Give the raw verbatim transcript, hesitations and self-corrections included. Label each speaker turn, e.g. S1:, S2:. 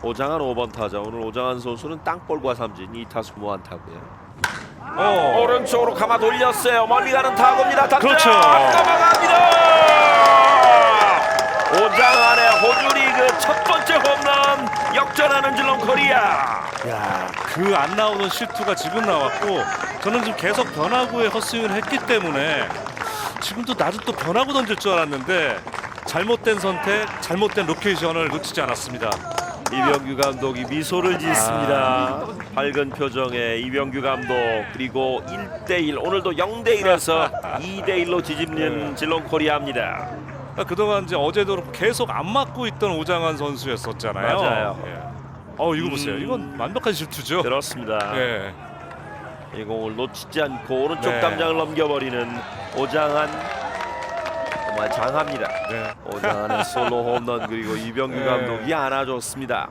S1: 오장한 오 번 타자. 오늘 오장한 선수는 땅볼과 삼진 이 타수 무안타고요.
S2: 어.
S1: 오른쪽으로 감아 돌렸어요. 멀리 가는 타구입니다. 탑장
S2: 그렇죠.
S1: 넘어갑니다. 오장한의 호주 리그 첫 번째 홈런 역전하는 질롱 코리아.
S2: 야, 그 안 나오는 실투가 지금 나왔고 저는 지금 계속 변화구에 헛스윙을 했기 때문에 지금도 나도 또 변화구 던질 줄 알았는데 잘못된 선택, 잘못된 로케이션을 놓치지 않았습니다.
S1: 이병규 감독이 미소를 짓습니다. 밝은 표정의 이병규 감독. 그리고 일 대 일 오늘도 영 대 일에서 이 대 일로 뒤집는 질롱 코리아입니다.
S2: 그동안 이제 어제도 계속 안 맞고 있던 오장환 선수였었잖아요.
S1: 맞아요.
S2: 예. 어 이거
S1: 음.
S2: 보세요. 이건 완벽한 실투죠.
S1: 그렇습니다.
S2: 예.
S1: 이 공을 놓치지 않고 오른쪽
S2: 네.
S1: 담장을 넘겨버리는 오장한. 정말 장합니다.
S2: 네.
S1: 오장한의 솔로 홈런 그리고 이병규
S2: 네.
S1: 감독이 안아줬습니다.